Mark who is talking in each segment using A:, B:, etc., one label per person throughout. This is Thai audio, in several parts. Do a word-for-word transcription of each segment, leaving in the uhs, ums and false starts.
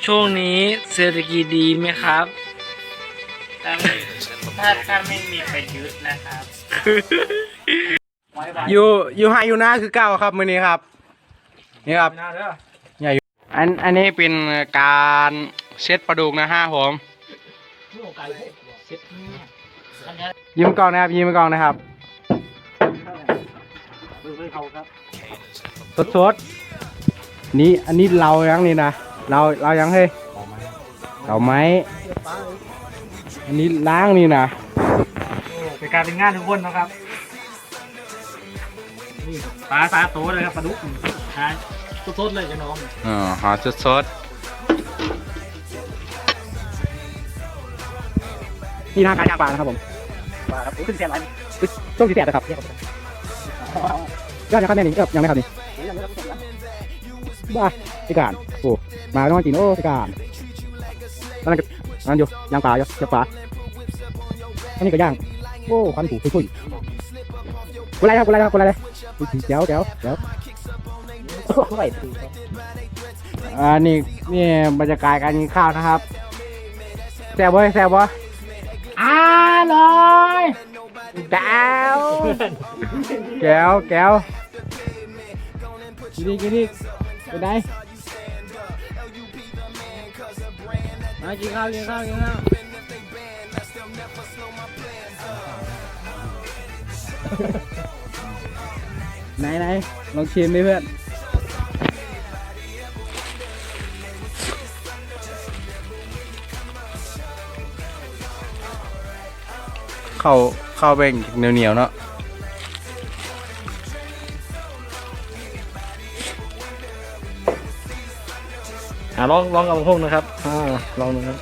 A: ช่วงนี้เศรษฐกิจดีไหมครับ
B: ถ้าไม่ถ้าถ้าไม่มีประยุทธ์นะครับ
C: อยู่อยู่ไฮอยู่หน้าคือเก้าครับมื้อนี้ครับนี่ครับใหญ่อันอันนี้เป็นการเช็ดปลาดุกนะฮะผมยิ้มกล้องนะครับยิ้มกล้องนะครับสดสดนี่อันนี้เรายังนี่นะเราเรายังเฮ้ยเราไม้อันนี้ล้างนี่นะ
B: เป็นการเป็นงานทุกคนนะครับนี่ปลาสาโตเลยครับปลาดุกหาสดๆเลยจะน้อง
C: อ๋อหาสดสดนี่นาการย่างปลานะครับผม
B: ปลาครับขึ้นเสียงอะไร
C: ต้มสีแสบนะครับยอดนะครับแม่นี่ยังไม่ครับนี่บ้าพิการโอ้มาต้องมากินโอ้พิการนั่นก็นั่นอยู่ย่างปลาอยู่ย่างปลาอันนี้ก็ย่างโอ้ควันถูกคุยๆกูไล่ครับกูไล่ครับกูไล่เลยเจ๋วเจ๋วเจ๋วอ่านี่นี่บรรยากาศการกินข้าวนะครับแซ่บเว้ยแซ่บวะอร่อยแก้วแก้วแก้วกินดิกินดิไปไหนมากินข้าวกินข้าวกินข้าวไหนไหนลองชิมดิเพื่อนเข้าเข้าไปเหนียวเหนียวเนาะ
B: อ่าลองลองกับพวกนะครับอ่าลองดูครับ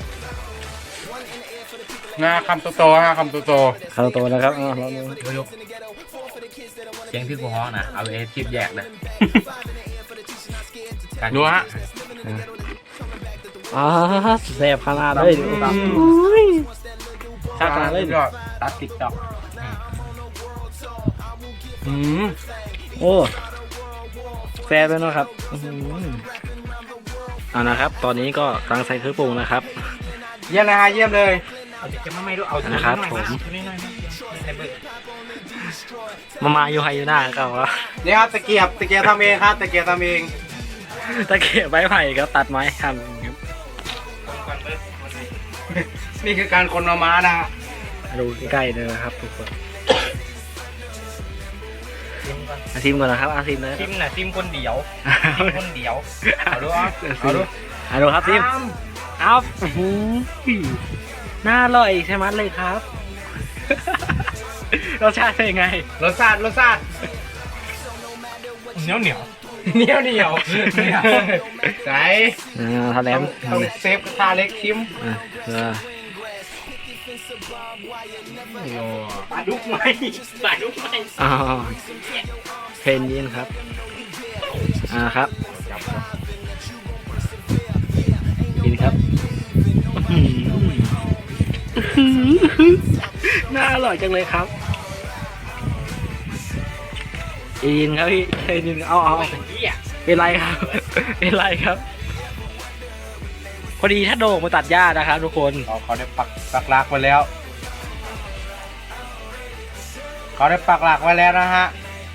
C: หน้าคำโตๆฮะคำโตๆ
B: คาโตนะครับอ่าลองดู
A: เสียงที่กูฮ้องนะเอาเอทิปแยกเลย
C: ดูฮะ
B: อ่าแซ่บขนาดเลยดูครับชาขนาดเลย
A: ตัดติ๊กต็อก
C: อืม
B: โอ้แซ่บเลยเนาะครับอ่านะครับตอนนี้ก็กำลังใส่เครื่องปรุงนะครับ
C: เยี่ยมนะฮะเยี่ยมเลย
B: นะครับผมมามาอยู่ไฮยูน่าครับวะ
C: นี่ครับตะเกียบตะเกียบทำเองครับตะเกียบทำเอง
B: ตะเกียบไม้ไผ่ครับตัดไม้ทำครับ
C: นี่คือการคนมาม้านะ
B: ดูใกล้ๆเลยนะครับทุกคนอาซิมก่อนนะครับอาซิมนะ
A: ซิมนะซิมคนเดียวซิมคนเดียวเอาดูเอาดู
B: เอาดูครับซิมเอาน่าอร่อยใช่ไหมเลยครับรสชาติเป็นไง
C: รสชาติรสชาติ
A: เหนียวเหนียว
C: เหนียวเหนียวใส่
B: อ่าทะเลม
C: ต้องเซฟกระทะเล็กชิม
B: อ่า
A: ปลาดุกไหมปลาดุกไหม
B: อ๋อเพนยินครับอ่าครับกินครับน่าอร่อยจังเลยครับอินครับพี่เอินเอาเอาเป็นไรครับเป็นไรครับพอดีถ้าโด่งมาตัดหญ้านะครับทุกคน
C: เขาได้ปักปักหลักไว้แล้วเขาได้ปักหลักไว้แล้วนะฮะ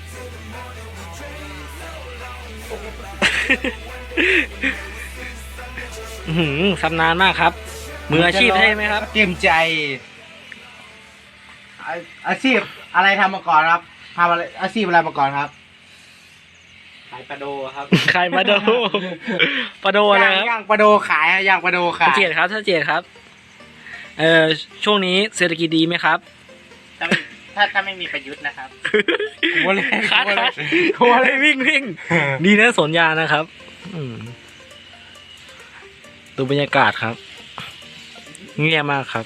B: ชำนาญมากครับมืออาชีพใช่ไหมครับ
C: เตรียมใจอาชีพอะไรทำมาก่อนครับทำอะไรอาชีพอะไรมาก่อนครับ
A: ขายปลาโดครับ
B: ขายปลาโดปลาโดอะไรครับ
C: ย่างปลาโดขายย่างปลาโดขาย
B: เจียดครับถ้าเจียดครับเอ่อช่วงนี้เศรษฐกิจดีไหมครับ
A: ถ้าถ้าถ้าไม่มีประยุทธ์นะครับ
C: กลัวเลย
B: คัดกลัวเลยวิ่งวิ่งดีนะสนยานะครับดูบรรยากาศครับเงียบมากครับ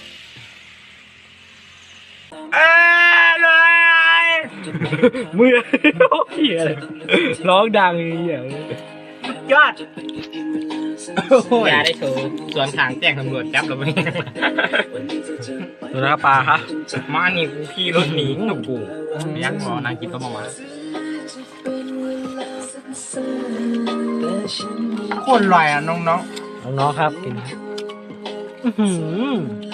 C: เอ้ย
B: มือเหี้ยเลยร้องดังเหี้ย
C: ยอด
A: ยาได้โชว์ส่วนทางแจ้งตำรวจจับเราไป
B: ดูนะครับปลาครับ
A: มานี่กูขี่รถหนีหนุกกูยักษ์หมอนางกินก็มามา
C: โคตรอร่อยอ่ะน้องๆ
B: น้องๆครับกินอื้อหือ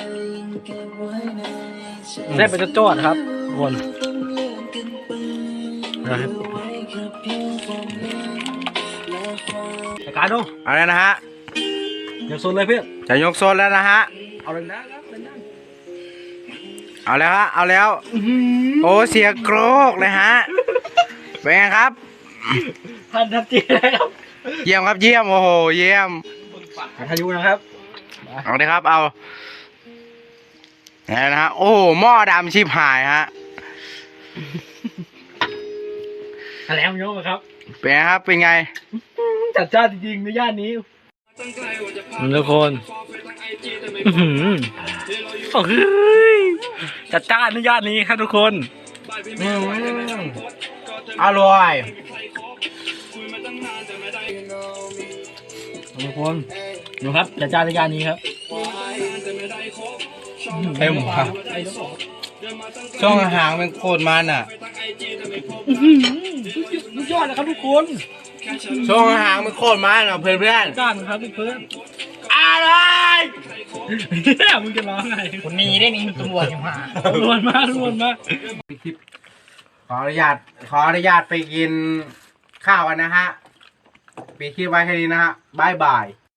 B: แซ่บไปจะจอดครับทุกคนนะครับรายการดู
C: เอาเลยนะฮะ
B: อย่าโซนเลยเพื่อน
C: จะยกโซนแล้วนะฮะ
B: เอาเลยนะครับเลยนะ
C: เอาแล้วฮะเอาแล้วโอ้เสียงโกรกเลยฮะเป็นไงครับ
B: ท่านทันทีเลยครับ
C: เยี่ยมครับเยี่ยมโอ้โหเยี่ยม
B: อายุนะครับ
C: เอาเลยครับเอาแล้วนะฮะโอ้โหหม้อดำชิบหายฮะ
B: แล้วโยกครับ
C: เป็นไงครับเป็นไง
B: จัดจ้านจริงๆในย่านนี้ทุกคนอื้อหือโอ้ยจัดจ้านในย่านนี้ครับทุกคน
C: อร่อย
B: ทุกคนดูครับจัดจ้านในย่านนี้ครับ
C: เต็มครับช่วงหางเป็นโคตรมันอ่ะ
B: สุดยอดนะครับทุกคน
C: ช่วงหางเป็นโคตรมันอ่ะเพื่อนเพื่อน
B: จ้านครับเพื่อน
C: อะไร
B: มึงจะร้องไง
A: คนนี้ได้นี่ตำรวจยังมา
B: รวนมากรวนมาก
C: ขออนุญาตขออนุญาตไปกินข้าวกันนะฮะปิดคลิปไว้แค่นี้นะฮะบายบาย